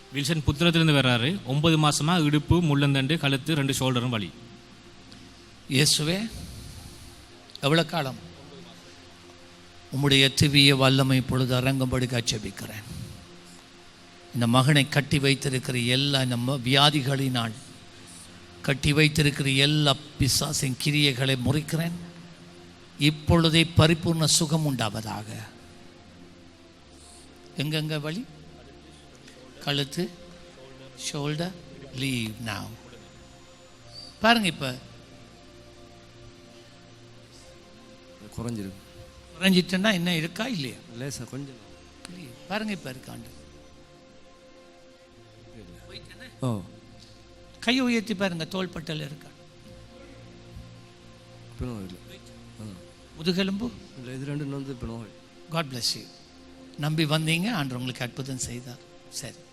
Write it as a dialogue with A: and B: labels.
A: Wilson புத்திரத்திலிருந்து வர்றாரு. 9 மாசமா இடுப்பு, முள்ளந்தண்டு, கழுத்து, 2 ஷோல்டரும் வலி.
B: இயேசுவே, எவ்வளோ காலம்? உம்முடைய திவ்ய வல்லமை பொழுது அரங்கும்படி ஜெபிக்கிறேன். இந்த மகனை கட்டி வைத்திருக்கிற எல்லா நம்ம வியாதிகளினால் கட்டி வைத்திருக்கிற எல்லா பிசாசின் கிரியைகளை முறிக்கிறேன். இப்பொழுதே பரிபூர்ண சுகம் உண்டாவதாக. எங்கெங்க வலி? கழுத்து, ஷோல்டர், லீவ் நாவ். பாருங்க, இப்போ குறைஞ்சிட்டுன்னா என்ன இருக்கா இல்லையா?
C: இல்லை சார், கொஞ்சம்
B: பாருங்க, இப்போ இருக்காண்டு.
C: ஓ,
B: கையை உயர்த்தி பாருங்க, தோள்பட்டல் இருக்கா? முதுகெலும்பு
C: இல்லை, இது ரெண்டு வந்து இப்போ நோய்.
B: God bless you. நம்பி வந்தீங்க, ஆண்டவர் உங்களுக்கு அற்புதம் செய்தார். சரி.